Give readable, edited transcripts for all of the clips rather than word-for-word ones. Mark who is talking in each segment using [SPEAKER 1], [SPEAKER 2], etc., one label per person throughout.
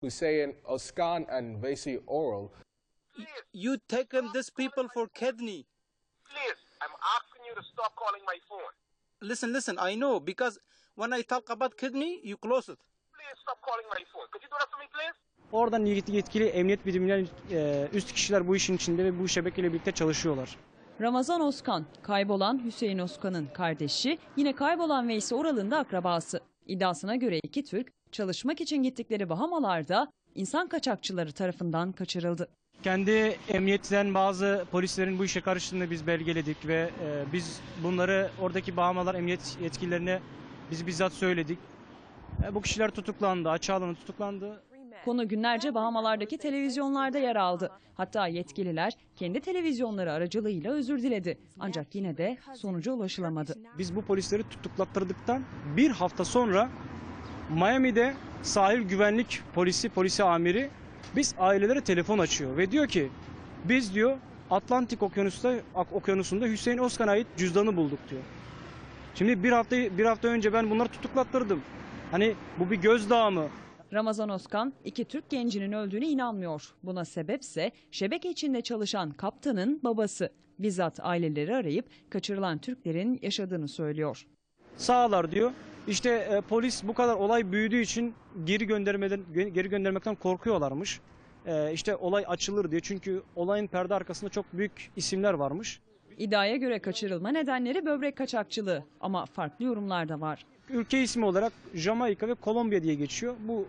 [SPEAKER 1] Hussein Özkan and Veysi Oral.
[SPEAKER 2] You taken these people for kidney.
[SPEAKER 3] Please, I'm asking you to stop calling my phone.
[SPEAKER 2] Listen, I know, because when I talk about kidney, you close it.
[SPEAKER 3] Please stop calling my phone. Could you do that for me, please?
[SPEAKER 4] Oradan yetkili emniyet birimleri, üst kişiler bu işin içinde ve bu şebekeyle birlikte çalışıyorlar.
[SPEAKER 5] Ramazan Özkan, kaybolan Hüseyin Özkan'ın kardeşi, yine kaybolan Veysi Oral'ın da akrabası. İddiasına göre iki Türk, çalışmak için gittikleri Bahamalar'da insan kaçakçıları tarafından kaçırıldı.
[SPEAKER 4] Kendi emniyetten bazı polislerin bu işe karıştığını biz belgeledik ve biz bunları oradaki Bahamalar emniyet yetkililerine biz bizzat söyledik. Bu kişiler tutuklandı, açığa alındı, tutuklandı.
[SPEAKER 5] Konu günlerce Bahamalardaki televizyonlarda yer aldı. Hatta yetkililer kendi televizyonları aracılığıyla özür diledi. Ancak yine de sonuca ulaşılamadı.
[SPEAKER 4] Biz bu polisleri tutuklattırdıktan bir hafta sonra Miami'de sahil güvenlik polisi amiri biz ailelere telefon açıyor ve diyor ki biz diyor Atlantik Okyanusu'nda Hüseyin Özkan'a ait cüzdanı bulduk diyor. Şimdi bir hafta önce ben bunları tutuklattırdım. Hani bu bir gözdağı mı?
[SPEAKER 5] Ramazan Özkan iki Türk gencinin öldüğüne inanmıyor. Buna sebepse şebeke içinde çalışan kaptanın babası. Bizzat aileleri arayıp kaçırılan Türklerin yaşadığını söylüyor.
[SPEAKER 4] Sağlar diyor. İşte polis bu kadar olay büyüdüğü için geri göndermekten korkuyorlarmış. İşte olay açılır diye. Çünkü olayın perde arkasında çok büyük isimler varmış.
[SPEAKER 5] İddiaya göre kaçırılma nedenleri böbrek kaçakçılığı ama farklı yorumlar da var.
[SPEAKER 4] Ülke ismi olarak Jamaika ve Kolombiya diye geçiyor. Bu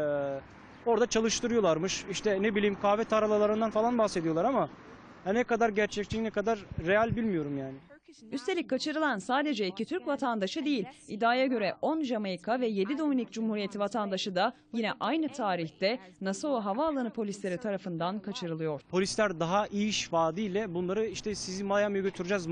[SPEAKER 4] orada çalıştırıyorlarmış. İşte ne bileyim kahve tarlalarından falan bahsediyorlar ama ne kadar gerçekçi ne kadar real bilmiyorum yani.
[SPEAKER 5] Üstelik kaçırılan sadece iki Türk vatandaşı değil. İddiaya göre 10 Jamaika ve 7 Dominik Cumhuriyeti vatandaşı da yine aynı tarihte Nassau Havaalanı polisleri tarafından kaçırılıyor.
[SPEAKER 4] Polisler daha iyi iş vaadiyle bunları işte sizi Miami'ye götüreceğiz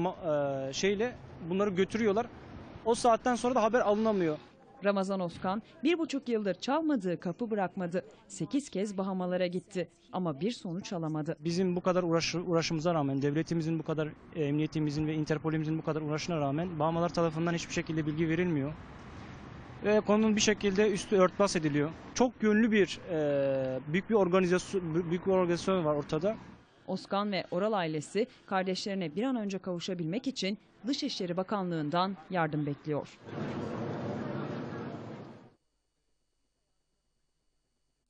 [SPEAKER 4] bunları götürüyorlar. O saatten sonra da haber alınamıyor.
[SPEAKER 5] Ramazan Özkan 1,5 yıldır çalmadığı kapı bırakmadı. 8 kez Bahamalara gitti ama bir sonuç alamadı.
[SPEAKER 4] Bizim bu kadar uğraşımıza rağmen, devletimizin bu kadar, emniyetimizin ve Interpol'imizin bu kadar uğraşına rağmen Bahamalar tarafından hiçbir şekilde bilgi verilmiyor. Ve konunun bir şekilde üstü örtbas ediliyor. Çok yönlü büyük bir organizasyon var ortada.
[SPEAKER 5] Özkan ve Oral ailesi kardeşlerine bir an önce kavuşabilmek için Dışişleri Bakanlığı'ndan yardım bekliyor.